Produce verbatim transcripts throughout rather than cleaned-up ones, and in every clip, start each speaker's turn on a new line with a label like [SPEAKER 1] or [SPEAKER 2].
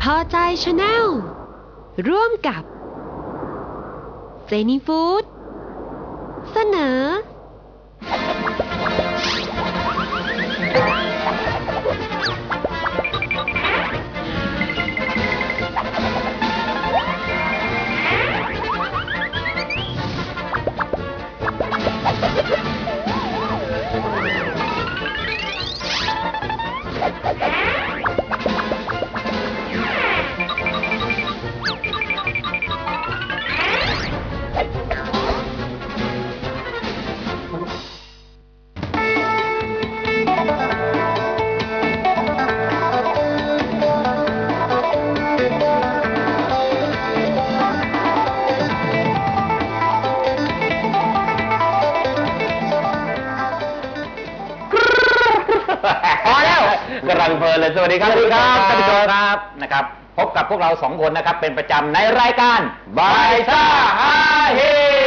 [SPEAKER 1] อใจชาแนลร่วมกับเจนี่ฟู้ดเสนอ
[SPEAKER 2] กำลังเพลินเลยสวัสดีครับสวัสดีครับท่านผู้ชมครับนะครับพบกับพวกเราสองคนนะครับเป็นประจำในรายการบายซ่าฮาเฮ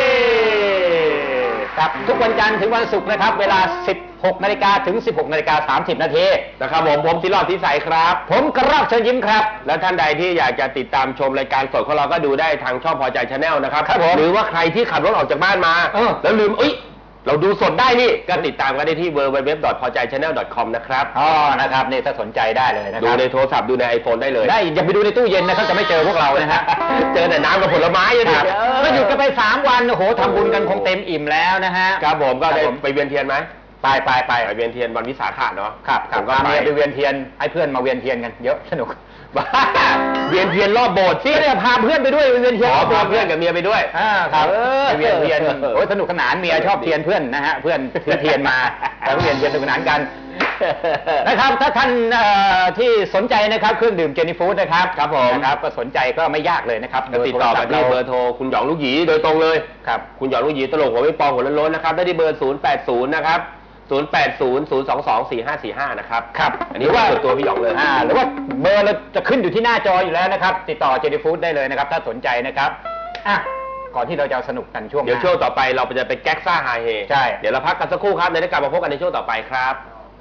[SPEAKER 2] ครับทุกวันจันทร์ถึงวันศุกร์นะครับเวลา สิบหกนาฬิกา ถึง สิบหกนาฬิกาสามสิบนาทีนะครับผมผมศิรอดทิสัยครับผมกระรอกเชิญยิ้มครับและท่านใดที่อยากจะติดตามชมรายการสดของเราก็ดูได้ทางช่องพอใจชาแนลนะครับหรือว่าใครที่ขับรถออกจากบ้านมาแล้วลืมเอ้ยเราดูสดได้นี่ก็ติดตามกันได้ที่ ดับเบิลยู ดับเบิลยู ดับเบิลยู ดอท พอใจชาแนล ดอท คอม นะครับอ๋อนะครับนี่ถ้าสนใจได้เลยนะครับดูในโทรศัพท์ดูใน ไอโฟน ได้เลยได้อย่าไปดูในตู้เย็นนะครับจะไม่เจอพวกเรานะฮะเจอแต่น้ำกับผลไม้อยู่นี่ก็หยุดกันไปสามวันโอ้โหทำบุญกันคงเต็มอิ่มแล้วนะฮะครับผมก็ได้ไปเวียนเทียนไหมไปไปไปไปเวียนเทียนวันวิสาขะเนาะครับผมก็ไปเวียนเทียนให้เพื่อนมาเวียนเทียนกันเยอะสนุกบ้าเวียนเทียนรอบโบสถ์สิเนี่ยพาเพื่อนไปด้วยเวียนเทียนพาเพื่อนกับเมียไปด้วยครับเวียนเทียนโอ้ยสนุกสนานเมียชอบเทียนเพื่อนนะฮะเพื่อนถือเทียนมาแล้วเวียนเทียนสนุกสนานกันนะครับถ้าท่านที่สนใจนะครับเครื่องดื่มเจนี่ฟู้ดนะครับครับผมนะครับก็สนใจก็ไม่ยากเลยนะครับติดต่อกันที่เบอร์โทรคุณหยองลูกหยีโดยตรงเลยครับคุณหยองลูกหยีตลกหัวไม่ปองหัวล้นๆนะครับได้ที่เบอร์ศูนย์ แปด ศูนย์ นะครับศูนย์ แปด ศูนย์ ศูนย์ สอง สอง สี่ ห้า สี่ ห้านะครับครับอันนี้ว่าตัวพี่หยองเลยอ่าหรือว่าเบอร์เราจะขึ้นอยู่ที่หน้าจออยู่แล้วนะครับติดต่อเจนี่ฟู้ดได้เลยนะครับถ้าสนใจนะครับอ่ะก่อนที่เราจะสนุกกันช่วงเดี๋ยวช่วงต่อไปเราจะไปแก๊กซ่าฮาเฮใช่เดี๋ยวเราพักกันสักครู่ครับเดี๋ยวกลับมาพบกันในช่วงต่อไปครับ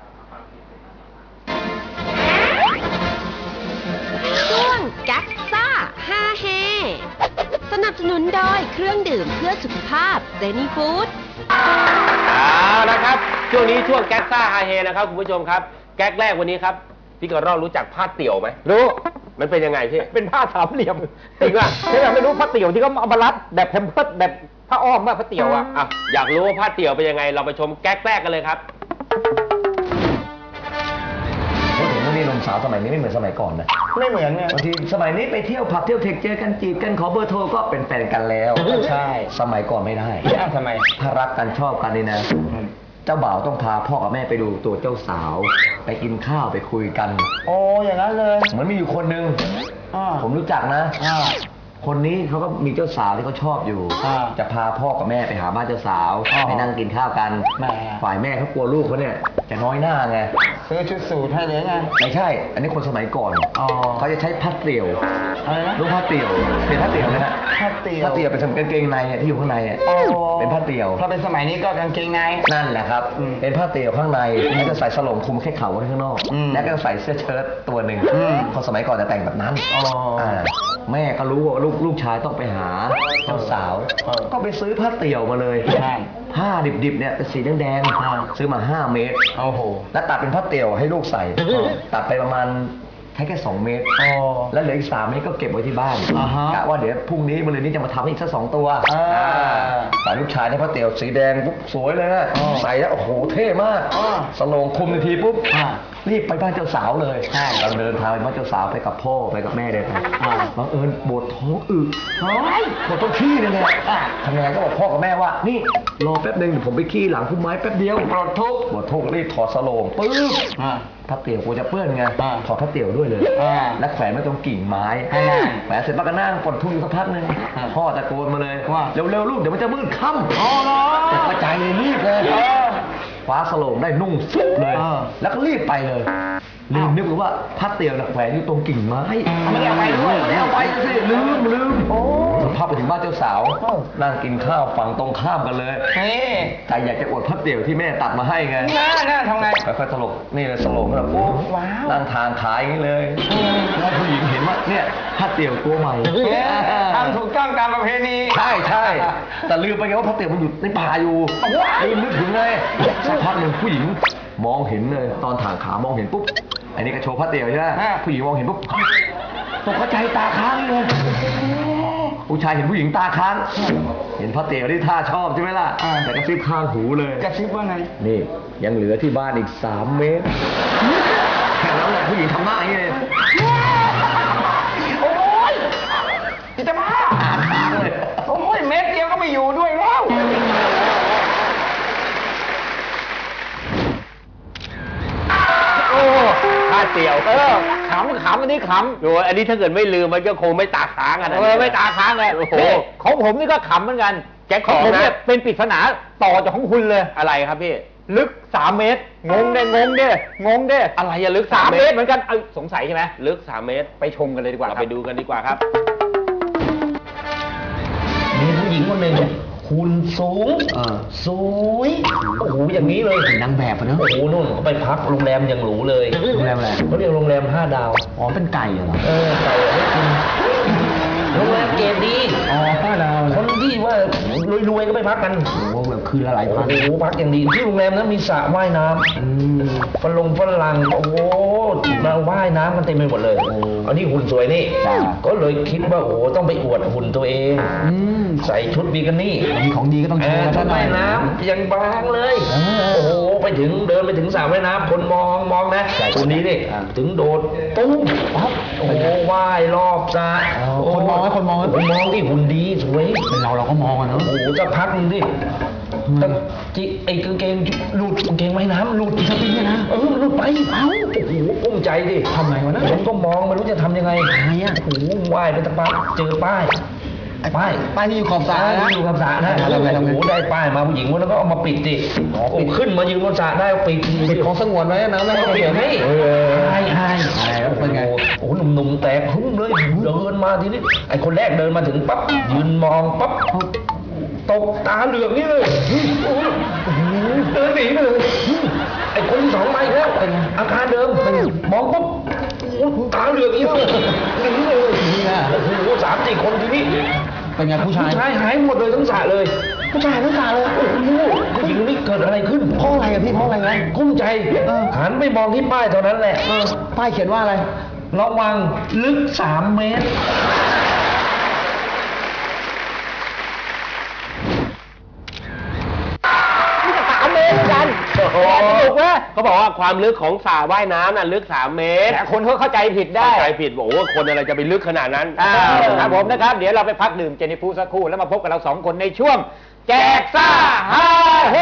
[SPEAKER 1] ช่วงแก๊กซ่าฮาเฮสนับสนุนโดยเครื่องดื่มเพื่อสุขภาพเจนี่ฟู้ด
[SPEAKER 2] เอาละครับช่วงนี้ช่วงแก๊กซ่าฮาเฮนะครับคุณผู้ชมครับแก๊กแรกวันนี้ครับพี่กระรอกรู้จักผ้าเตี่ยวไหมรู้มันเป็นยังไงพี่เป็นผ้าสามเหลี่ยมจริงป่ะถ้าอยากไม่รู้ผ้าเตี่ยวที่เขาเอามารัดแบบแพมเพิร์สแบบผ้าอ้อมว่าผ้าเตี่ยวอ่ะอ่ะอยากรู้ว่าผ้าเตี่ยวเป็นยังไงเราไปชมแก๊กแรกกันเลยครับ
[SPEAKER 3] พูดถึงว่านี่หนุ่มสาวสมัยนี้ไม่เหมือนสมัยก่อนนะ
[SPEAKER 4] ไม่เหมือนไง
[SPEAKER 3] บางทีสมัยนี้ไปเที่ยวผับเที่ยวเทคเจอกันจีบกันขอเบอร์โทรก็เป็นแฟนกันแล้ว
[SPEAKER 4] ใช่
[SPEAKER 3] สมัยก่อนไม่ได้
[SPEAKER 4] ทำไม
[SPEAKER 3] ถ้ารักกันชอบกันนี่นะเจ้าบ่าวต้องพาพ่อกับแม่ไปดูตัวเจ้าสาวไปกินข้าวไปคุยกัน
[SPEAKER 4] โอ้อย่างนั้นเลย
[SPEAKER 3] เหมือนมีอยู่คนนึงผมรู้จักนะคนนี้เขาก็มีเจ้าสาวที่เขาชอบอยู่จะพาพ่อกับแม่ไปหาบ้านเจ้าสาวไปนั่งกินข้าวกันฝ่ายแม่เขากลัวลูกเขาเนี่ยจะน้อยหน้าไง
[SPEAKER 4] ซื้อชุดสูทให้เลยไง
[SPEAKER 3] ไม่ใช่อันนี้คนสมัยก่อนเขาจะใช้ผ้าเตี่ยว
[SPEAKER 4] อะไรนะ
[SPEAKER 3] ลูกผ้าเตี่ยวเป็นผ้าเตี่ยวนะฮะ
[SPEAKER 4] ผ้าเตี่ยว
[SPEAKER 3] ผ้าเตี่ยวเป็นกางเกงในที่อยู่ข้างในเป็นผ้าเตี่ยว
[SPEAKER 4] ถ้าเป็นสมัยนี้ก็กางเกงใน
[SPEAKER 3] นั่นแหละครับเป็นผ้าเตี่ยวข้างในแล้วก็ใส่สลงคลุมแค่เข่าไว้ข้างนอกแล้วก็ใส่เสื้อเชิ้ตตัวหนึ่งคนสมัยก่อนจะแต่งแบบนั้นแม่ก็รู้ว่าลูกลูกชายต้องไปหาเจ้าสาวก็ไปซื้อผ้าเตี่ยวมาเลยผ้าดิบๆเนี่ยเป็นสีแดงๆซื้อมาห้าเมตร
[SPEAKER 4] โอ้โห
[SPEAKER 3] แล้วตัดเป็นผ้าเตี่ยวให้ลูกใส่ตัดไปประมาณแค่แค่สองเมตรแล้วเหลืออีกสามเมตรก็เก็บไว้ที่บ้านกะว่าเดี๋ยวพรุ่งนี้มะรืนนี้จะมาทำอีกสักสองตัวแต่ลูกชายได้ผ้าเตี่ยวสีแดงปุ๊บสวยเลยนะใส่แล้วโอ้โหเท่มากสโลงคุมนาทีปุ๊บรีบไปบ้านเจ้าสาวเลยเราเดินทางไปบ้านเจ้าสาวไปกับพ่อไปกับแม่เดินไปบังเอิญปวดท้องอึปวดท้องขี้เลยเนี่ยทำยังไงก็บอกพ่อกับแม่ว่านี่รอแป๊บนึงเดี๋ยวผมไปขี้หลังพุ่มไม้แป๊บเดียวปวดท้องปวดท้องรีบถอดสโลงปึ๊บผ้าเตี่ยวกูจะเปื้อนไงถอดผ้าเตี่ยวด้วยเลยแล้วแขวนไว้ตรงกิ่งไม้แขวนเสร็จปั๊บก็นั่งปวดทุ่งอยู่สักพักนึงพ่อตะโกนมาเลยว่าเร็วๆลูกเดี๋ยวมันจะมืดค่ำอ๋อเนาะตกใจเลยรีบเลยคว้าสโลงได้นุ่งฟุบเลยแล้วก็รีบไปเลยลืมนึกว่าผ้าเตี่ยวน่ะแขวนอยู่ตรงกิ่งไม้
[SPEAKER 4] ไม่ได้เอาไปด้วย
[SPEAKER 3] ไม่ได้เอาไปสิลืมลืมโอ้สภาพไปถึงบ้านเจ้าสาวนั่งกินข้าวฝั่งตรงข้ามกันเลย
[SPEAKER 4] นี่
[SPEAKER 3] แต่อยากจะอวดผ้าเตี่ยวที่แม่ตัดมาให้ไง
[SPEAKER 4] น่าน่าทำไง
[SPEAKER 3] ค่อยๆตลกนี่เลยตลกแบบโอ้
[SPEAKER 4] ว้าว
[SPEAKER 3] นั่งทางขายอย่างนี้เลยแล้วผู้หญิงเห็นว่าเนี่ยผ้าเตี่ยวตัวใหม่
[SPEAKER 4] ทำถูกต้องตามประเพณี
[SPEAKER 3] ใช่ใช่แต่ลืมไปไงว่าผ้าเตี่ยวมันอยู่ในป่าอยู่ลืมนึกถึงเลยสักพักหนึ่งผู้หญิงมองเห็นเลยตอนถางขามองเห็นปุ๊บอันนี้ก็โชว์ผ้าเตี่ยวใช่ไหมผู้หญิงมองเห็นปุ๊บตกใจตาค้างเลยผู้ชายเห็นผู้หญิงตาค้างเห็นผ้าเตี่ยวที่ท่าชอบใช่ไหมล่ะแต่ก็ซิบข้างหูเลย
[SPEAKER 4] กระซิบว่าไง
[SPEAKER 3] นี่ยังเหลือที่บ้านอีกสามเมตรแค่นั้นแหละผู้หญิงทำหน้าอย่างนี้เลย
[SPEAKER 4] โอ้ยจิตบ้า
[SPEAKER 3] อ่านทางเลย
[SPEAKER 4] โอ้ยเม็ดเดียวก็ไม่อยู่ด้วยแล้ว
[SPEAKER 2] โอ้ผ้าเตี่ยวเออขำขำอันนี้ขำโอ้อันนี้ถ้าเกิดไม่ลืมมันก็คงไม่ตาค้างอ่ะเออไม่ตาค้างเลยโอ้โหของผมนี่ก็ขำเหมือนกันแจ็คของผมเนี่ยเป็นปริศนาต่อจากของคุณเลยอะไรครับพี่ลึกสามเมตรงงเด้งงเด้งงเด้อะไรอะลึกสามเมตรเหมือนกันเออสงสัยใช่ไหมลึกสามเมตรไปชมกันเลยดีกว่าเราไปดูกันดีกว่าครับ
[SPEAKER 5] มีผู้หญิงคนหนึ่งหุ่นสูงสวยโอ้โหอย่างนี้เลย
[SPEAKER 3] นางแบบอะเนอะ
[SPEAKER 5] โอ้โหนู่นเขาไปพักโรงแรมอย่างหรูเลย
[SPEAKER 3] โรงแรมอะไร
[SPEAKER 5] เขาเรียกโรงแรมห้าดาว
[SPEAKER 3] อ๋อเป็นไก่เหรอ
[SPEAKER 5] เออไก่ให้กินโรงแรมเกรดดี
[SPEAKER 3] อ๋อห้าดาว
[SPEAKER 5] คนที่ว่ารวยๆก็ไปพักกัน
[SPEAKER 3] โอ้โหแบบคืนละหลาย
[SPEAKER 5] โอ้
[SPEAKER 3] พัน
[SPEAKER 5] โหพักอย่างดีที่โรงแรมนั้นมีสระว่ายน้
[SPEAKER 3] อืม
[SPEAKER 5] ำฝรั่งฝรั่งโอ้โหมาว่ายน้ำกันเต็มไปหมดเลย
[SPEAKER 3] โอ้
[SPEAKER 5] อันนี้หุ่นสวยนี่
[SPEAKER 3] จ้ะ
[SPEAKER 5] ก็เลยคิดว่าโอ้โหต้องไปอวดหุ่นตัวเอง
[SPEAKER 3] อืม
[SPEAKER 5] ใส่ชุดบิกินี่
[SPEAKER 3] มีของดีก็ต้อง
[SPEAKER 5] เอ
[SPEAKER 3] โชว์
[SPEAKER 5] อ
[SPEAKER 3] กัน
[SPEAKER 5] ชุ
[SPEAKER 3] สั
[SPEAKER 5] ด
[SPEAKER 3] กหน่อ
[SPEAKER 5] ว่าย ยน้ำยังบางเลย
[SPEAKER 3] เออ
[SPEAKER 5] โอ้โห ไปถึงเดินไปถึงสระว่ายน้ำคนมองมองนะ
[SPEAKER 3] ใช่
[SPEAKER 5] คนนี้นี่
[SPEAKER 3] อ่า
[SPEAKER 5] ถึงโดดปุ๊บปั๊บโอ้โหว่ายรอบสระ
[SPEAKER 3] อ๋อคนมองไหมคนมองไหม
[SPEAKER 5] คนมองที่หุ่นดีสวย
[SPEAKER 3] เป็นเราเราก็มองอะเนอะ
[SPEAKER 5] โอ้โหสักพักหนึงดิแต่จิไอ้กางเกงหลุดกางเกงว่ายน้ำหลุดสปริงนะเออมันหลุดไปเอ้าโอ้โหกุ้มใจดิ
[SPEAKER 3] ทำไงวะนะ
[SPEAKER 5] ผมก็มองไม่รู้จะทำยังไง
[SPEAKER 3] ทำไงอะ
[SPEAKER 5] โอ้โหว่ายไปสักพักเจอป้ายป้าย
[SPEAKER 3] ป้ายที่อยู่ขอบสระนะ
[SPEAKER 5] อยู่กับสระนะ
[SPEAKER 3] ทำไงทำไง
[SPEAKER 5] โอ้โหได้ป้ายมาผู้หญิงคนนั้นก็เอามาปิดดิโอ้ขึ้นมายืนบนสระได้เอาปิด
[SPEAKER 3] ปิดของสงวนไว้นะไม่ให้
[SPEAKER 5] เอา
[SPEAKER 3] ใคร
[SPEAKER 5] ปิด
[SPEAKER 3] เห็น
[SPEAKER 5] ให้
[SPEAKER 3] เออ
[SPEAKER 5] ใช่ใช่
[SPEAKER 3] ใช่แล้วเป็นไง
[SPEAKER 5] โอ้โหหนุ่มๆแตกฮึ่มเลยเดินมาทีนี้ไอ้คนแรกเดินมาถึงปั๊บยืนมองปั๊บตกตาเหลือกนี่เลยโอ้โหเดินหนีไปเลยไอ้คนที่สองมาอีกแล้วอาการเดิมมองปุ๊บโอ้โหตาเหลือกนี่เลยหนีเลย
[SPEAKER 3] นี่นะ
[SPEAKER 5] โอ้โหสามสี่คนทีนี้
[SPEAKER 3] เป็นไงผู้ชาย
[SPEAKER 5] ผู้ชายหายหมดเลยทั้งสระเลย
[SPEAKER 3] ผู้ชายทั้งสระเลย
[SPEAKER 5] โอ้โหผู้หญิงนี่เกิดอะไรขึ้น
[SPEAKER 3] เพราะอะไรอะพี่เพราะอะไรไง
[SPEAKER 5] กุ้มใจ
[SPEAKER 3] เออ
[SPEAKER 5] หันไปมองที่ป้ายเท่านั้นแหละ
[SPEAKER 3] เออป้ายเขียนว่าอะไร
[SPEAKER 5] ระวังลึกสามเมตร
[SPEAKER 2] สามเมตรเหมือนกันโอ้โหสนุกนะเขาบอกว่าความลึกของสระว่ายน้ำน่ะลึกสามเมตรแต่คนเขาเข้าใจผิดได้เข้าใจผิดบอกว่าคนอะไรจะไปลึกขนาดนั้นครับผมนะครับเดี๋ยวเราไปพักดื่มเจนิฟูสักครู่แล้วมาพบกับเราสองคนในช่วง แจกซ่าฮาเฮ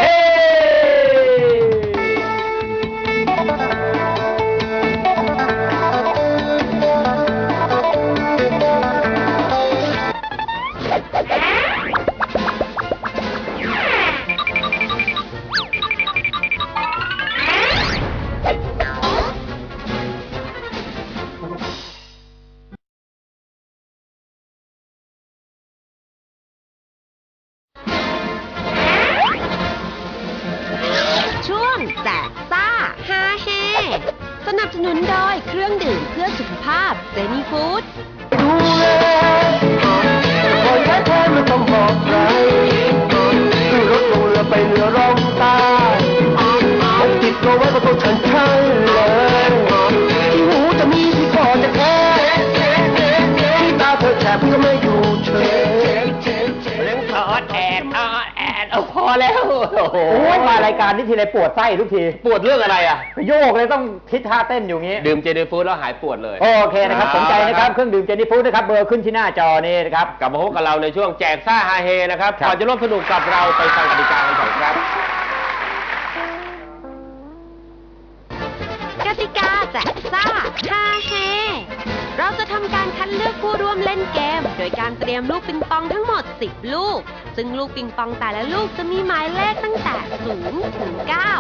[SPEAKER 1] ช่วงแจกซ่าฮาเฮสนับสนุนโดยเครื่องดื่มเพื่อสุขภาพเซนีฟู้ด
[SPEAKER 3] ดูแลคนแท้ๆไม่ต้องบอกใครขึ้นรถลงเรือไปเหนือร่องใต้ผมติดตัวไว้กับตัวฉันใช่เลยที่หูจะมีที่คอจะแค่ที่ตาเธอแฉบก็ไม่อยู่เฉย
[SPEAKER 2] เรื่องถอดแอดออแอดเอาพอแล้วโอ้โหมารายการนี้ทีไรปวดไส้ทุกทีปวดเรื่องอะไรอ่ะโยกเลยต้องคิดท่าเต้นอยู่งี้ดื่มเจนี่ฟู้ดแล้วหายปวดเลยโอเคนะครับสนใจนะครับเครื่องดื่มเจนี่ฟู้ดนะครับเบอร์ขึ้นที่หน้าจอนี่นะครับกลับมาพบกับเราในช่วงแจกซ่าฮาเฮนะครับก่อนจะร่วมสนุกกับเราไปฟังกติกากันก่อนครับ
[SPEAKER 1] กติกาแจกซ่าฮาเฮเราจะทำการคัดเลือกผู้ร่วมเล่นเกม โดยการเตรียมลูกปิงปองทั้งหมดสิบลูก ซึ่งลูกปิงปองแต่ละลูกจะมีหมายเลขตั้งแต่ศูนย์ถึงเก้า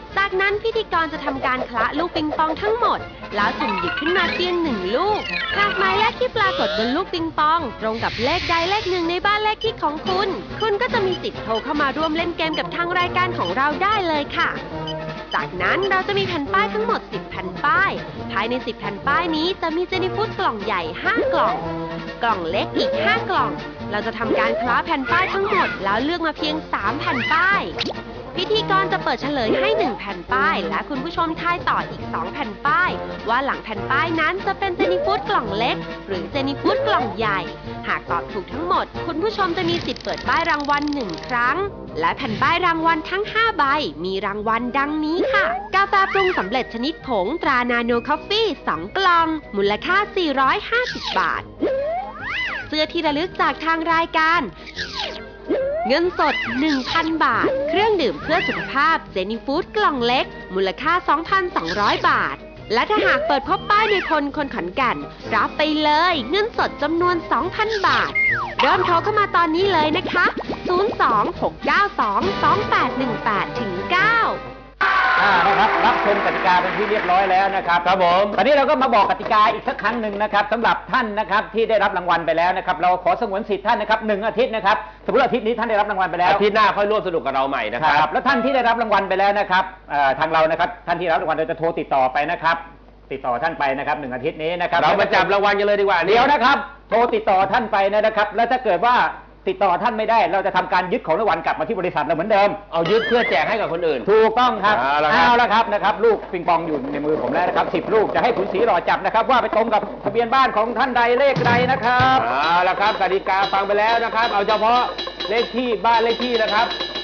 [SPEAKER 1] จากนั้นพิธีกรจะทำการคละลูกปิงปองทั้งหมด แล้วสุ่มหยิบขึ้นมาเพียงหนึ่งลูก หากหมายเลขที่ปรากฏบนลูกปิงปอง ตรงกับเลขใดเลขหนึ่งในบ้านเลขที่ของคุณ คุณก็จะมีสิทธิ์โทรเข้ามาร่วมเล่นเกมกับทางรายการของเราได้เลยค่ะ จากนั้นเราจะมีแผ่นป้ายทั้งหมดสิบแผ่นป้าย ภายในสิบแผ่นป้ายนี้จะมีเจนี่ฟู้ดกล่องใหญ่ห้ากล่อง กล่องเล็กอีกห้ากล่อง เราจะทำการคล้าแผ่นป้ายทั้งหมดแล้วเลือกมาเพียงสามแผ่นป้าย พิธีกรจะเปิดเฉลยให้หนึ่งแผ่นป้าย และคุณผู้ชมทายต่ออีกสองแผ่นป้าย ว่าหลังแผ่นป้ายนั้นจะเป็นเจนี่ฟู้ดกล่องเล็ก หรือเจนี่ฟู้ดกล่องใหญ่ หากตอบถูกทั้งหมด คุณผู้ชมจะมีสิทธิ์เปิดป้ายรางวัลหนึ่งครั้ง และแผ่นป้ายรางวัลทั้งห้าใบมีรางวัลดังนี้ค่ะ กาแฟปรุงสำเร็จชนิดผงตรานาโนคอฟฟี่สองกล่อง มูลค่าสี่ร้อยห้าสิบบาท เสื้อที่ระลึกจากทางรายการ เงินสด หนึ่งพัน บาท เครื่องดื่มเพื่อสุขภาพเจนี่ฟู้ดกล่องเล็ก มูลค่า สองพันสองร้อย บาท และถ้าหากเปิดพบป้ายในพลคนขอนแก่นรับไปเลยเงินสดจำนวน สองพัน บาท เริ่มโทรเข้ามาตอนนี้เลยนะคะ ศูนย์ สอง หก เก้า สอง สอง แปด หนึ่ง แปด เก้า
[SPEAKER 2] อ่านะครับรับชมกติกาเป็นที่เรียบร้อยแล้วนะครับครับผมตอนนี้เราก็มาบอกกติกาอีกสักครั้งหนึ่งนะครับสำหรับท่านนะครับที่ได้รับรางวัลไปแล้วนะครับเราขอสงวนสิทธิ์ท่านนะครับหนึ่งอาทิตย์นะครับสมมติอาทิตย์นี้ท่านได้รับรางวัลไปแล้วอาทิตย์หน้าค่อยร่วมสนุกกับเราใหม่นะครับแล้วท่านที่ได้รับรางวัลไปแล้วนะครับทางเรานะครับท่านที่รับรางวัลเราจะโทรติดต่อไปนะครับติดต่อท่านไปนะครับหนึ่งอาทิตย์นี้นะครับเรามาจับรางวัลกันเลยดีกว่าเดี๋ยวนะครับโทรติดต่อท่านไปนะครับแล้วถ้าเกิดว่าติดต่อท่านไม่ได้เราจะทำการยึดของรางวัลกลับมาที่บริษัทเราเหมือนเดิมเอายึดเพื่อแจกให้กับคนอื่นถูกต้องครับเอาละครับนะครับลูกปิงปองอยู่ในมือผมแล้วนะครับสิบลูกจะให้ขุนศรีรอจับนะครับว่าไปตรงกับทะเบียนบ้านของท่านใดเลขใดนะครับเอาละครับกติกาฟังไปแล้วนะครับเอาเฉพาะเลขที่บ้านเลขที่นะครับ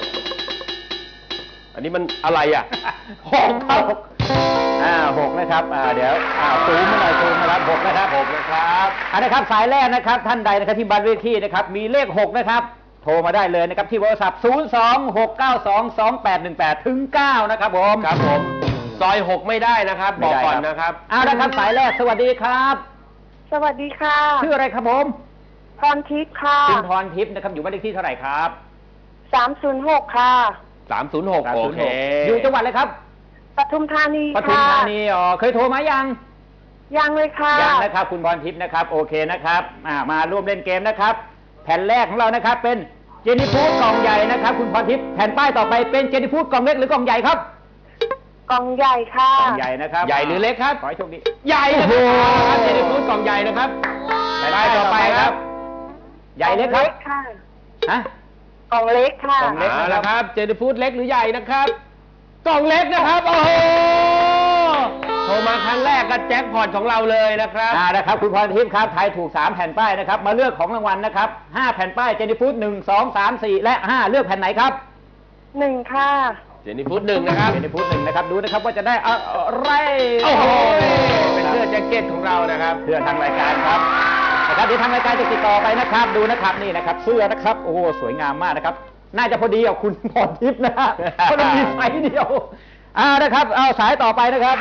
[SPEAKER 2] อันนี้มันอะไรอ่ะหกครับอ่าหกนะครับอ่าเดี๋ยวอ่าซูมมาหน่อยซูมนะครับหกนะครับหกนะครับอันนะครับสายแรกนะครับท่านใดนะครับที่บ้านเลขที่นะครับมีเลขหกนะครับโทรมาได้เลยนะครับที่โทรศัพท์ศูนย์ สอง หก เก้า สอง สอง แปด หนึ่ง แปด ถึง เก้านะครับผมครับผมซอยหกไม่ได้นะครับบอกก่อนนะครับเอาละครับสายแรกสวัสดีครับ
[SPEAKER 6] สวัสดีค่ะ
[SPEAKER 2] ชื่ออะไรครับผม
[SPEAKER 6] พรทิพย์ค่ะ
[SPEAKER 2] คุณพรทิพย์นะครับอยู่บ้านเลขที่เท่าไหร่ครับ
[SPEAKER 6] สามศูนย์หกค่ะ
[SPEAKER 2] สามศูนย์หกโอเคอยู่จังหวัดอะไรครับ
[SPEAKER 6] ปทุมธานีค่ะ
[SPEAKER 2] ปทุมธานีอ๋อเคยโทรมายัง
[SPEAKER 6] ยังเลยค่ะ
[SPEAKER 2] ยังนะครับคุณพรทิพย์นะครับโอเคนะครับมาร่วมเล่นเกมนะครับแผ่นแรกของเรานะครับเป็นเจนี่ฟู้ดกล่องใหญ่นะครับคุณพรทิพย์แผ่นป้ายต่อไปเป็นเจนี่ฟู้ดกล่องเล็กหรือกล่องใหญ่ครับ
[SPEAKER 6] กล่องใหญ่ค่ะ
[SPEAKER 2] กล่องใหญ่นะครับใหญ่หรือเล็กครับขอให้โชคดีใหญ่นะครับเจนี่ฟู้ดกล่องใหญ่นะครับแผ่นป้ายต่อไปครับใหญ่เล็กครับฮะ
[SPEAKER 6] กล่องเล็กค่ะ
[SPEAKER 2] กล่องเล็กนะครับเจนี่ฟู้ดเล็กหรือใหญ่นะครับกล่องเล็กนะครับโอ้โหโทรมาครั้งแรกก็แจ็คพอตของเราเลยนะครับอ่านะครับคุณพรทิพย์ครับทายถูกสามแผ่นป้ายนะครับมาเลือกของรางวัลนะครับห้าแผ่นป้ายเจนี่ฟู้ดหนึ่ง สอง สาม สี่และห้าเลือกแผ่นไหนครับ
[SPEAKER 6] หนึ่งค่ะ
[SPEAKER 2] เจนี่ฟู้ดหนึ่งนะครับเจนี่ฟู้ดหนึ่งนะครับดูนะครับว่าจะได้อะไรโอ้โหเป็นเสื้อแจ็คเก็ตของเรานะครับเพื่อทางรายการครับนะครับเดี๋ยวทางรายการจะติดต่อไปนะครับดูนะครับนี่นะครับเสื้อนะครับโอ้โหสวยงามมากนะครับน่าจะพอดีกับคุณพรทิพย์นะเพราะมันมีไซส์เดียวอ่านะครับเอาสายต่อไปนะครับ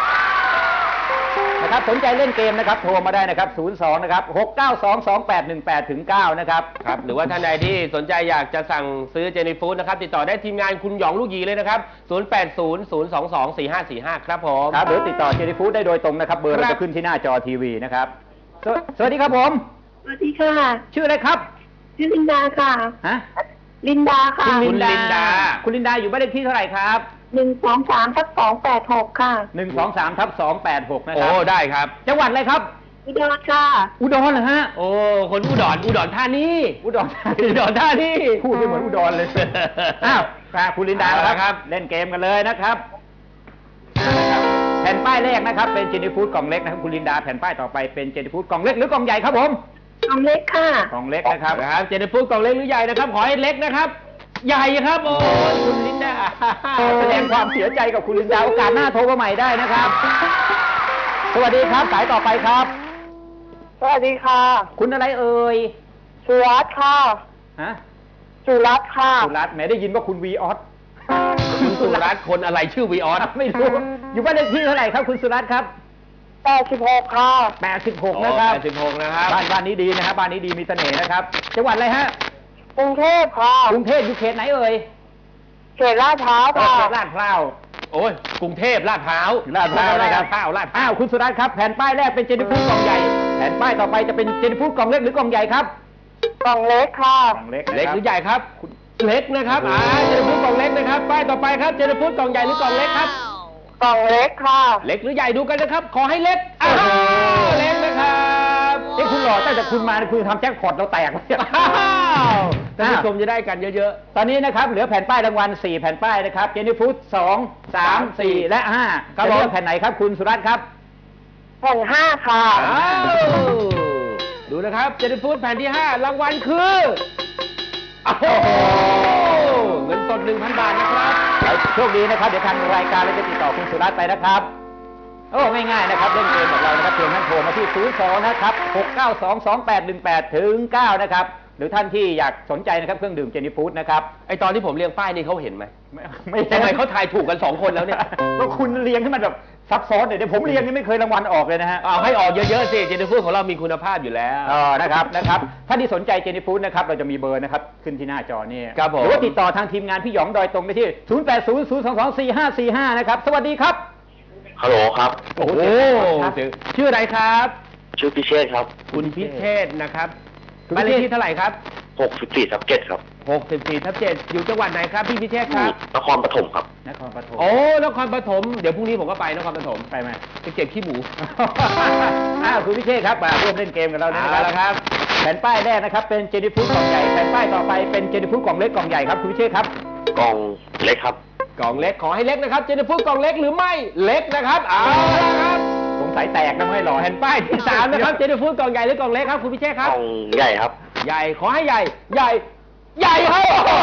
[SPEAKER 2] นะครับสนใจเล่นเกมนะครับโทรมาได้นะครับศูนย์ สอง นะครับ หก เก้า สอง สอง แปด หนึ่ง แปด ถึง เก้านะครับครับหรือว่าท่านใดที่สนใจอยากจะสั่งซื้อเจนี่ฟู้ดนะครับติดต่อได้ทีมงานคุณหยองลูกหยีเลยนะครับศูนย์ แปด ศูนย์ ศูนย์ สอง สอง สี่ ห้า สี่ ห้าครับผมครับหรือติดต่อเจนี่ฟู้ดได้โดยตรงนะครับเบอร์จะขึ้นที่หน้าจอทีวีนะครับสวัสดีครับผม
[SPEAKER 6] สวัสดีค่ะ
[SPEAKER 2] ชื่ออะไรครับ
[SPEAKER 6] ชื่อลินดาค่ะ
[SPEAKER 2] ฮะ
[SPEAKER 6] ลินดาค่ะ
[SPEAKER 2] คุณลินดาคุณลินดาอยู่บ้านเลขที่เท่าไหร่ครับ
[SPEAKER 6] หนึ่ง สอง สาม ทับ สอง แปด หกค่ะ
[SPEAKER 2] หนึ่ง สอง สาม ทับ สอง แปด หกนะครับโอ้ได้ครับจังหวัดอะไรครับ
[SPEAKER 6] อุดรค่ะ
[SPEAKER 2] อุดรเหรอฮะโอ้คนอุดรอุดรธานีอุดรอุดรธานีพูดไม่เหมือนอุดรเลยอ้าวคุณลินดาครับเล่นเกมกันเลยนะครับแผ่นป้ายแรกนะครับเป็นเจนี่ฟู้ดกล่องเล็กนะครับคุณลินดาแผ่นป้ายต่อไปเป็นเจนี่ฟู้ดกล่องเล็กหรือกล่องใหญ่ครับผม
[SPEAKER 6] กล่องเล็กค่ะ
[SPEAKER 2] กล่องเล็กนะครับครับเจนี่ฟู้ดกล่องเล็กหรือใหญ่นะครับขอให้เล็กนะครับใหญ่ครับโอ้คุณลินดาแสดงความเสียใจกับคุณลินดาโอกาสหน้าโทรมาใหม่ได้นะครับสวัสดีครับสายต่อไปครับ
[SPEAKER 6] สวัสดีค่ะ
[SPEAKER 2] คุณอะไรเอ่ย
[SPEAKER 6] สุรัตน์ค่ะ
[SPEAKER 2] ฮะ
[SPEAKER 6] สุรัตน์ค่ะ
[SPEAKER 2] สุรัตน์แหมได้ยินว่าคุณวีออสคุณสุรัตน์คนอะไรชื่อวีออสไม่รู้อยู่บ้านเลขที่เท่าไหร่ครับคุณสุรัตน์ครับ
[SPEAKER 6] แปดสิบหกค่ะ
[SPEAKER 2] แปดสิบหกนะครับแปดสิบหกนะครับบ้านบ้านนี้ดีนะครับบ้านนี้ดีมีเสน่ห์นะครับจังหวัดอะไรฮะ
[SPEAKER 6] กรุงเทพค่ะ
[SPEAKER 2] กรุงเทพอยู่เขตไหนเอ่ย
[SPEAKER 6] เขตลาดพร้าวค่ะ
[SPEAKER 2] เขตลาดพร้าวโอ้ยกรุงเทพลาดพร้าวลาดพร้าวนะครับลาดพร้าวลาดพร้าวคุณสุรัตน์ครับแผ่นป้ายแรกเป็นเจนิฟูดกล่องใหญ่แผ่นป้ายต่อไปจะเป็นเจนิฟูดกล่องเล็กหรือกล่องใหญ่ครับ
[SPEAKER 6] กล่องเล็กค่ะ
[SPEAKER 2] กล่องเล็กเล็กหรือใหญ่ครับเล็กนะครับอ่าเจนิฟูดกล่องเล็กนะครับป้ายต่อไปครับเจนิฟูดกล่องใหญ่หรือกล่องเล็กครับ
[SPEAKER 6] กล่องเล็กค่ะ
[SPEAKER 2] เล็กหรือใหญ่ดูกันนะครับขอให้เล็กอ้าวเล็กนะครับเอ้คุณหล่อตั้งแต่คุณมาคุณทำแจ็คพอตเราแตกเลยอ้าวท่านผู้ชมจะได้กันเยอะๆตอนนี้นะครับเหลือแผ่นป้ายรางวัลสี่แผ่นป้ายนะครับเจนิฟูดสองสามสี่และห้าจะเลือกแผ่นไหนครับคุณสุรัตน์ครับ
[SPEAKER 6] แผ่นห้าค่ะ
[SPEAKER 2] อ้าวดูนะครับเจนิฟูดแผ่นที่ห้ารางวัลคือโอ้โหเงินสด หนึ่งพัน บาทนะครับโชคดีนะครับเดี๋ยวทางรายการเราจะติดต่อคุณสุรัตน์ไปนะครับโอ้ง่ายๆนะครับเล่นเกมกับเรานะครับเพียงท่านโทรมาที่ศูนย์ สอง นะครับหก เก้า สอง สอง แปด หนึ่ง แปด ถึง เก้านะครับหรือท่านที่อยากสนใจนะครับเครื่องดื่มเจนิฟูดนะครับไอตอนที่ผมเรียงป้ายนี่เขาเห็นไหมไม่ทำไมเขาทายถูกกันสองคนแล้วเนี่ยก็คุณเรียงให้มันแบบซับซ้อนเดี๋ยวผมเรียงนี่ไม่เคยรางวัลออกเลยนะฮะเอาให้ออกเยอะๆสิเจนิฟูดของเรามีคุณภาพอยู่แล้วอ๋อนะครับนะครับท่านที่สนใจเจนิฟูดนะครับเราจะมีเบอร์นะครับขึ้นที่หน้าจอนี่ครับผมหรือว่าติดต่อทางทีมงานพี่หยองโดยตรงได้ที่ศูนย์ แปด ศูนย์ ศูนย์ สอง สอง สี่ ห้า สี่ ห้านะครับสวัสดีครับ
[SPEAKER 7] ฮัลโหลครับ
[SPEAKER 2] โอ้โหชื่ออะไรครับ
[SPEAKER 7] ชื่อพิเชษครับ
[SPEAKER 2] คุณพิเชษนะครับบ้านเลขที่เท่าไหร่ครับ
[SPEAKER 7] หกสิบสี่ทับเจ็ดครับ
[SPEAKER 2] หกสิบสี่ทับเจ็ดอยู่จังหวัดไหนครับพี่พิเชษครับ
[SPEAKER 7] นครปฐมครับ
[SPEAKER 2] นครปฐมโอ้นครปฐมเดี๋ยวพรุ่งนี้ผมก็ไปนครปฐมไปไหมไปเก็บขี้หมู อ้าวคุณพิเชษครับมาร่วมเล่นเกมกับเราเนี่ยนะครับแผ่นป้ายแรกนะครับเป็นเจนิฟูดกล่องใหญ่แผ่นป้ายต่อไปเป็นเจนิฟูดกล่องเล็กกล่องใหญ่ครับคุณพิเชษครับ
[SPEAKER 7] กล่องเล็กครับ
[SPEAKER 2] กล่องเล็กขอให้เล็กนะครับเจนิฟูดกล่องเล็กหรือไม่เล็กนะครับเอาละครับสงสัยแตกนะไม่หล่อแผ่นป้ายที่สามนะครับเจนิฟูดกล่องใหญ่หรือกล่องเล็กครับคุณพิเชษค
[SPEAKER 7] ก
[SPEAKER 2] รับ
[SPEAKER 7] ล่องใหญ่ครับ
[SPEAKER 2] ใหญ่ขอให้ใหญ่ใหญ่ใหญ่ครับ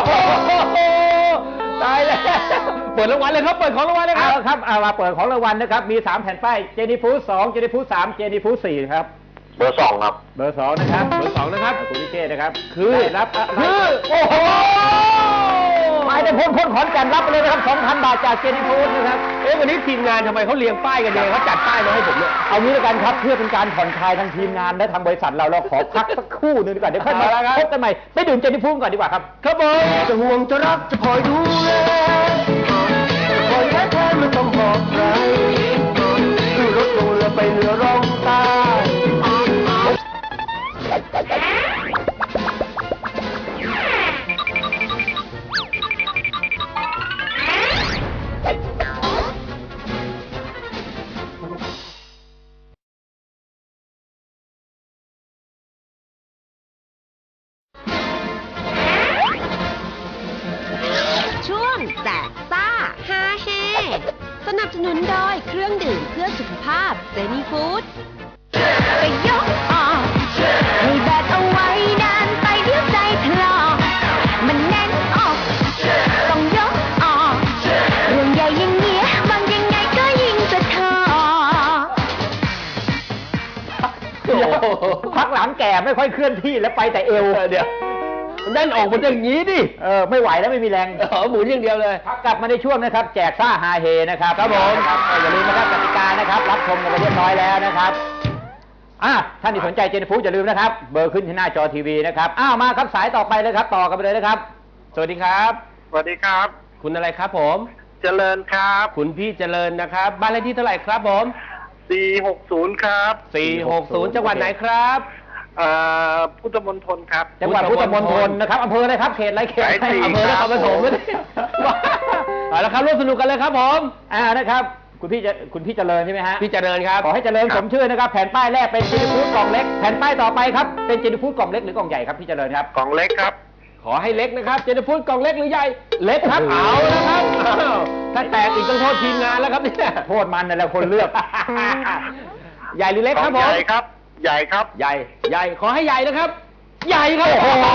[SPEAKER 2] ตายแล้วเปิดรางวัลเลยครับเปิดของรางวัลเลยครับเอาครับเอามาเปิดของรางวัลนะครับมีสามแผ่นป้ายเจนิฟูดสองเจนิฟูดสามเจนิฟูดสี่ครับ
[SPEAKER 7] เบอร์สองครับ
[SPEAKER 2] เบอร์สองนะครับเบอร์สองนะครับคุณพิเชษนะครับคือได้รับคือโอ้โหหมายได้พ้นพ้นขอนแก่นรับไปเลยนะครับ สองพัน บาทจากเจนิฟูดนะครับเอ๊ะวันนี้ทีมงานทำไมเขาเรียงป้ายกันเองเขาจัดป้ายมาให้ผมเนี่ยเอางี้แล้วกันครับเพื่อเป็นการผ่อนคลายทางทีมงานและทางบริษัทเราเราขอพักสักครู่หนึงดีกว่าเดี๋ยวค่อยมาพบกันใหม่ไปดื่มเจนิฟูดก่อนดีกว่าครับครับผมจะห่วงจะรักจะคอยดูแลคอยแค่แค่ไม่ต้องบอกใครคือรถลงเรือไปเรือร่องใต้
[SPEAKER 1] ช่วงแจกซ่าฮาเฮสนับสนุนโดยเครื่องดื่มเพื่อสุขภาพเจนี่ฟู้ดไปยกออกให้แบกเอาไว้นานไปเดี๋ยวใจถลอกมันแน่นออกต้องยกออกเรื่องใหญ่อย่างเงี้ยบางยังไงก็ยิ่งจะทอ
[SPEAKER 2] พักหลังแก่ไม่ค่อยเคลื่อนที่แล้วไปแต่เอวเดี๋ยวมันด้านออกมันอย่างนี้ดิเออไม่ไหวแล้วไม่มีแรงเออหมุนอย่างเดียวเลยพักกลับมาในช่วงนะครับแจกซ่าฮาเฮนะครับครับผมอย่าลืมนะครับกติกานะครับรับชมกันไปเรียบร้อยแล้วนะครับอ่ะท่านที่สนใจเจนิฟูดอย่าลืมนะครับเบอร์ขึ้นที่หน้าจอทีวีนะครับอ้าวมาครับสายต่อไปเลยครับต่อกันไปเลยนะครับสวัสดีครับ
[SPEAKER 6] สวัสดีครับ
[SPEAKER 2] คุณอะไรครับผม
[SPEAKER 6] เจริญครับ
[SPEAKER 2] คุณพี่เจริญนะครับบ้านเลขที่เท่าไหร่ครับผม
[SPEAKER 6] สี่หกศูนย์ครับ
[SPEAKER 2] สี่หกศูนย์จังหวัดไหนครับ
[SPEAKER 6] เอ่อพุทธมณฑลครับ
[SPEAKER 2] จังหวัดพุทธมณฑลนะครับอำเภออะไรครับเขตอะไรเขต
[SPEAKER 6] สายสี่
[SPEAKER 2] อำเภอนครปฐม
[SPEAKER 6] ครับ
[SPEAKER 2] เอาละครับร่วมสนุกกันเลยครับผมอ่านะครับคุณพี่จะคุณพี่เจริญใช่ไหมฮะพี่เจริญครับขอให้เจริญสมชื่อนะครับแผ่นป้ายแรกเป็นเจนิฟูดกล่องเล็กแผ่นป้ายต่อไปครับเป็นเจนิฟูดกล่องเล็กหรือกล่องใหญ่ครับพี่เจริญครับ
[SPEAKER 6] กล่องเล็กครับ
[SPEAKER 2] ขอให้เล็กนะครับเจนิฟูดกล่องเล็กหรือใหญ่เล็กครับเอาละครับอ้าวถ้าแตกอีกต้องโทษทีมงานแล้วครับเนี่ยโทษมันนั่นแหละคนเลือก ใหญ่หรือเล็กครับผม
[SPEAKER 6] ใหญ่ครับ ใหญ่ครับ
[SPEAKER 2] ใหญ่ใหญ่ขอให้ใหญ่นะครับ ใหญ่ครับ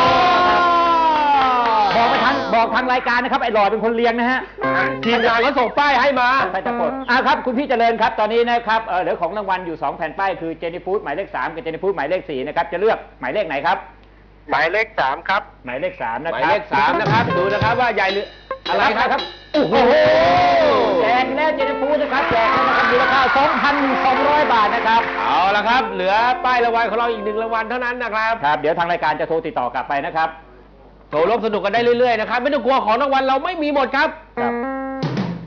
[SPEAKER 2] บอกไปทางบอกทางรายการนะครับไอ้หลอดเป็นคนเลี้ยงนะฮะทีมงานก็ส่งป้ายให้มาใช่จะกดอ่าครับคุณพี่เจริญครับตอนนี้นะครับเออเหลือของรางวัลอยู่สองแผ่นป้ายคือเจนิฟูดหมายเลขสามกับเจนิฟูดหมายเลขสี่นะครับจะเลือกหมายเลขไหนครับ
[SPEAKER 6] หมายเลขสามครับ
[SPEAKER 2] หมายเลขสามนะครับหมายเลขสามนะครับดูนะครับว่าใหญ่หรืออะไรครับโอ้โหแจกแล้วเจนิฟูดนะครับแจกแล้วนะครับมูลค่า สองพันสองร้อย บาทนะครับเอาละครับเหลือป้ายรางวัลของเราอีกหนึ่งรางวัลเท่านั้นนะครับครับเดี๋ยวทางรายการจะโทรติดต่อกลับไปนะครับโทรร่วมสนุกกันได้เรื่อยๆนะครับไม่ต้องกลัวของรางวัลเราไม่มีหมดครับครับ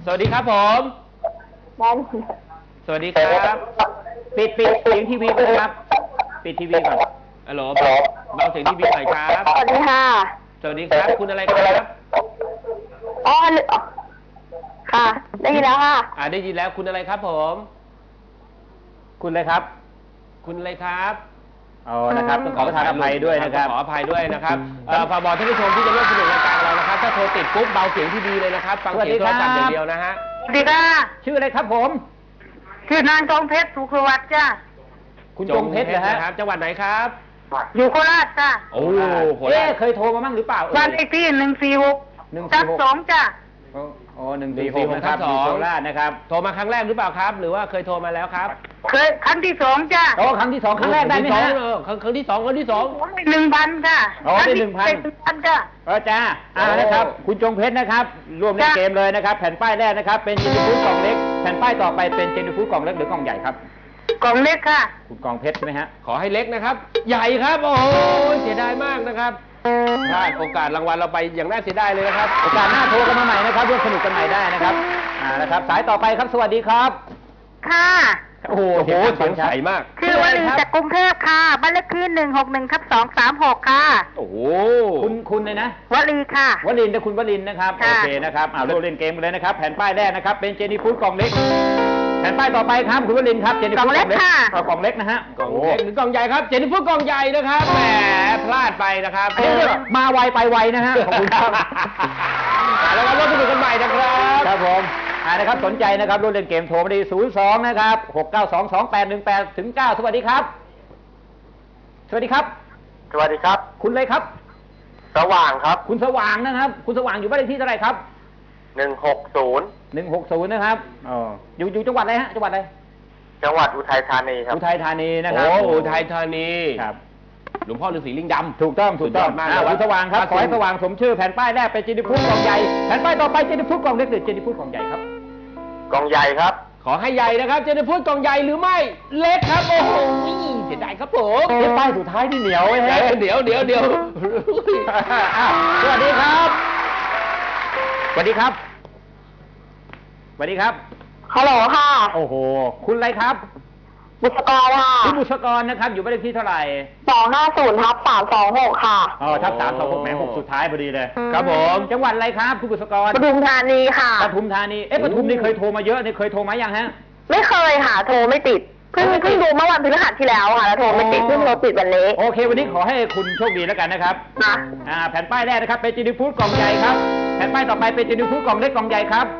[SPEAKER 2] สวัสดีครับผม
[SPEAKER 8] ได้
[SPEAKER 2] สวัสดีครับ ปิดปิดเสียงทีวีก่อนครับ ปิดทีวีก่อนฮัลโหลเบาเสียงทีวีหน่อยครับ
[SPEAKER 8] สวัสดีค่ะ
[SPEAKER 2] สวัสดีครับ คุณอะไรครับ
[SPEAKER 8] อ๋อค่ะ ได้ยินแล้วค่ะ
[SPEAKER 2] อ่าได้ยินแล้วคุณอะไรครับผม คุณอะไรครับ คุณอะไรครับอ๋อนะครับต้องขอประทานอภัยด้วยนะครับขออภัยด้วยนะครับเอ่อฝากบอกท่านผู้ชมที่จะร่วมสนุกรายการเรานะครับถ้าโทรติดปุ๊บเบาเสียงทีวีเลยนะครับฟังเสียงโทรศัพท์อย่างเดียวนะฮะ
[SPEAKER 8] สวัสดีค่ะ
[SPEAKER 2] ชื่ออะไรครับผม
[SPEAKER 8] ชื่อนางทองเพชรสุขวัตจ้า
[SPEAKER 2] คุณจงเพชรนะฮะจังหวัดไหนครับ
[SPEAKER 8] อยู่โคราชจ้า
[SPEAKER 2] โอ้โหเอ๊ะเคยโทรมาบ้างหรือเปล่า
[SPEAKER 8] บ้านเลขที่หนึ่งสี่หก
[SPEAKER 2] หนึ่ง
[SPEAKER 8] ทั
[SPEAKER 2] สี่
[SPEAKER 8] บ
[SPEAKER 2] หก
[SPEAKER 8] สองจ้า
[SPEAKER 2] โอ้หนึ่งสี่หกนะครับอยู่โคราชนะครับโทรมาครั้งแรกหรือเปล่าครับ หรือว่าเคยโทรมาแล้วครับ
[SPEAKER 8] เคยครั้งที่สองจ้า
[SPEAKER 2] โอ้ครั้งที่สองครั้งแรกได้ไหมฮะครั้งครั้งที่สองครั้งที่สอง
[SPEAKER 8] หนึ่งพันค่ะ
[SPEAKER 2] อ๋อได้หนึ่งพัน
[SPEAKER 8] หนึ่งพันจ้า
[SPEAKER 2] เออจ้าอ่านะครับ คุณจงเพชรนะครับร่วมเล่นเกมเลยนะครับ แผ่นป้ายแรกนะครับเป็นเจนฟูดกล่องเล็กแผ่นป้ายต่อไปเป็นเจนฟูดกล่องเล็กหรือกล่องใหญ่ครับ
[SPEAKER 8] กล่องเล็กค่ะ
[SPEAKER 2] คุณกองเพชรใช่ไหมฮะขอให้เล็กนะครับ ใหญ่ครับโอ้โหเสียดายมากนะครับพลาดโอกาสรางวัลเราไปอย่างน่าเสียดายเลยนะครับโอกาสหน้าโทรกันมาใหม่นะครับร่วมสนุกกันใหม่ได้นะครับอ่านะครับสายต่อไปครับสวัสดีครับ
[SPEAKER 8] ค่ะ
[SPEAKER 2] โอ้โหเสียงใสมาก
[SPEAKER 8] ชื่อวลีจากกรุงเทพค่ะบ้านเลขที่หนึ่งหกหนึ่งทับสองสามหกค่ะ
[SPEAKER 2] โอ้โหคุณคุณเลยนะ
[SPEAKER 8] วลีค่ะ
[SPEAKER 2] วลินทร์นะคุณวลินทร์นะครับ
[SPEAKER 8] ค่ะ
[SPEAKER 2] โอเคนะครับอ่าร่วมเล่นเกมกันเลยนะครับแผ่นป้ายแรกนะครับเป็นเจนี่ฟูดกล่องเล็กแผ่นป้ายต่อไปครับคุณวลินทร์ครับเจนี่ฟูดกล่องเล็กเอากล่องเล็กนะฮะกล่องเล็กหรือกล่องใหญ่ครับเจนี่ฟูดกล่องใหญ่นะครับแหมพลาดไปนะครับมาไวไปไวนะฮะขอบคุณครับแล้วก็ร่วมสนุกกันใหม่นะครับครับผมอ่านะครับสนใจนะครับร่วมเล่นเกมโทรมาที่ศูนย์สองนะครับหกเก้าสองสองแปดหนึ่งแปดถึงเก้าสวัสดีครับสวัสดีครับ
[SPEAKER 6] สวัสดีครับ
[SPEAKER 2] คุณเลยครับ
[SPEAKER 6] สว่างครับ
[SPEAKER 2] คุณสว่างนะครับ คุณสว่างอยู่บ้านเลขที่เท่าไหร่ครับ
[SPEAKER 6] หนึ่งหกศูนย์
[SPEAKER 2] หนึ่งหกศูนย์นะครับอ๋ออยู่อยู่จังหวัดอะไรฮะจังหวัดอะไร
[SPEAKER 6] จังหวัดอุทัยธานีครับ
[SPEAKER 2] อุทัยธานีนะครับ
[SPEAKER 4] โอ้อุทัยธานี
[SPEAKER 2] ครับ
[SPEAKER 4] หลวงพ่อฤาษีลิงดำ
[SPEAKER 2] ถูกต้องถูกต้อง
[SPEAKER 4] สุดยอดมาก
[SPEAKER 2] อ่า
[SPEAKER 4] เลย
[SPEAKER 2] คุณสว่างครับ
[SPEAKER 4] ครับ
[SPEAKER 2] ขอให้สว่างสมชื่อแผ่นป้ายแรกเป็นเจนิฟูดกล่องใหญ่แผ่นป้ายต่อไปเจนิฟูดกล่องเล็กหรือเจนิฟูดกล่องใหญ่ครับ
[SPEAKER 6] กองใหญ่ครับ
[SPEAKER 4] ขอให้ใหญ่นะครับเจนิฟูดกล่องใหญ่หรือไม่เล็กครับโอ้โหเสียดายครับผม
[SPEAKER 2] เอ๊ะป้ายสุดท้ายที่เหนียวไว้ฮะ
[SPEAKER 4] เดี๋ยวเดี๋ยวเดี๋ยว
[SPEAKER 2] อ้าวสวัสดีครับสวัสดีครับสวัสดีครับ
[SPEAKER 8] ฮัลโหลค่ะ
[SPEAKER 2] โอ้โหคุณอะไรครับ
[SPEAKER 8] บุษกรค่ะ
[SPEAKER 2] คุณบุษกรนะครับอยู่บ้านเลขที่เท่าไหร่
[SPEAKER 8] สองห้าศูนย์ทับสามสองหกค่ะ
[SPEAKER 2] อ๋อทับสามสองหกแหมหกสุดท้ายพอดีเลย
[SPEAKER 4] ครับผม
[SPEAKER 2] จังหวัดอะไรครับคุณบุษกร
[SPEAKER 8] ปทุมธานีค่ะ
[SPEAKER 2] ปทุมธานี เอ๊ะปทุมนี่เคยโทรมาเยอะนี่เคยโทรมายังฮะ
[SPEAKER 8] ไม่เคยค่ะ โทรไม่ติด เพิ่งเพิ่งดูเมื่อวันพฤหัสที่แล้วค่ะ แล้วโทรไม่ติด เพิ่งโทรติดวันนี้
[SPEAKER 2] โอเค วันนี้ขอให้คุณโชคดีแล้วกันนะครับ
[SPEAKER 8] นะ
[SPEAKER 2] อ่า แผ่นป้ายแรกนะครับ เป็นจีนิฟูดกล่องใหญ่ครับ แผ่นป้ายต่อไปเป็นจีนิฟูดกล่องเล็กกล่องใหญ่ครับ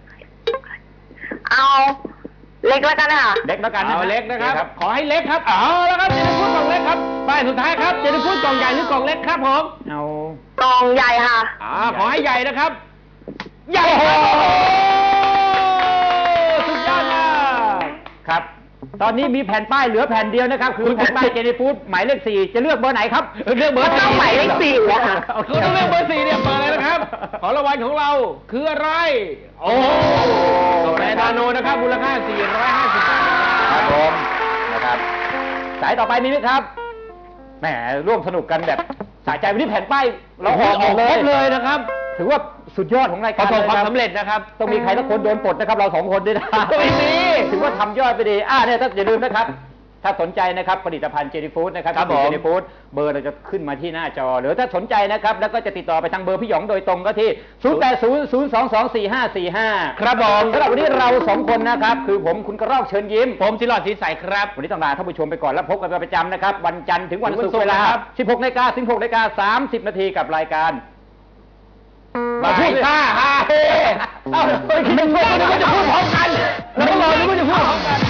[SPEAKER 8] เอาเล็กแล้วกันค่ะ
[SPEAKER 2] เล็กแล้วกันนะ
[SPEAKER 4] เอาเล็กนะครับ
[SPEAKER 2] โอ
[SPEAKER 4] ขอให้เล็กครับเอาแล้วครับเจนิฟูดกล่องเล็กครับป้ายสุดท้ายครับเจนิฟูดกล่องใหญ่หรือกล่องเล็กครับผม
[SPEAKER 2] เอา
[SPEAKER 8] กองใหญ่ค่ะ
[SPEAKER 4] อ่าขอให้ใหญ่นะครับ ใหญ่ครับโอ้โหสุดยอดมาก
[SPEAKER 2] ครับ ตอนนี้มีแผ่นป้ายเหลือแผ่นเดียวนะครับ คือแผ่นป้ายเจนิฟูดหมายเลขสี่จะเลือกเบอร์ไหนครับ
[SPEAKER 4] เลือกเบอร์
[SPEAKER 8] ก็ต้องหมายเลขสี่อะค่ะ
[SPEAKER 4] คุณต้องเลือกเบอร์สี่เนี่ยเปิดเลยนะครับ ของรางวัลของเราคืออะไร โอ้โหกาแฟนาโนนะครับมูลค่าสี่ร้อยห้าสิบบาท
[SPEAKER 2] ครับผมนะครับ สายต่อไปมีไหมครับ แหมร่วมสนุกกันแบบสะใจวันนี้แผ่นป้ายเราออกหมดเล
[SPEAKER 4] คร
[SPEAKER 2] ย
[SPEAKER 4] บเลยนะครับ
[SPEAKER 2] ถือว่าสุดยอดของราย
[SPEAKER 4] ป
[SPEAKER 2] การ
[SPEAKER 4] ระสบความ
[SPEAKER 2] ลย
[SPEAKER 4] สำเร็จนะครับ
[SPEAKER 2] ต้องมีใครสักคนโดนปลดนะครับ เราสองคนด้วยนะ
[SPEAKER 4] ไม่มี
[SPEAKER 2] ถือว่าทำยอดไปดีอ่าเนี่ยถ้าอย่าลืมนะครับ ถ้าสนใจนะครับผลิตภัณฑ์เจนี่ฟู้ดนะครับ
[SPEAKER 4] ครับผม
[SPEAKER 2] เจนี่ฟู้ดเบอร์เราจะขึ้นมาที่หน้าจอ หรือถ้าสนใจนะครับแล้วก็จะติดต่อไปทางเบอร์พี่หยองโดยตรงก็ที่ ศูนย์ แปด ศูนย์ ศูนย์ สอง สอง สี่ ห้า สี่ ห้า
[SPEAKER 4] ครับผม
[SPEAKER 2] สำหรับวันนี้เราสองคนนะครับคือผมคุณกระรอกเชิญยิ้ม
[SPEAKER 4] ผมสิหลอดสีใสครับ
[SPEAKER 2] วันนี้ต้องลาท่านผู้ชมไปก่อนแล้วพบกันเป็นประจำนะครับ วันจันทร์ถึงวัน
[SPEAKER 4] ถึงวัน
[SPEAKER 2] ศุก
[SPEAKER 4] ศุกร์
[SPEAKER 2] ร์เวลา
[SPEAKER 4] นะครับ
[SPEAKER 2] สิบหกนาฬิกา สิบหกนาฬิกา สามสิบนาทีกับรายการ
[SPEAKER 4] บ่ายห้าห้าเฮ้
[SPEAKER 2] เอ้าเฮ้ยคิดไม่ช่วยนึกว่าจะพูดพร้อมกันแล้วก็รอนึกว่าจะพูดพร้อมกัน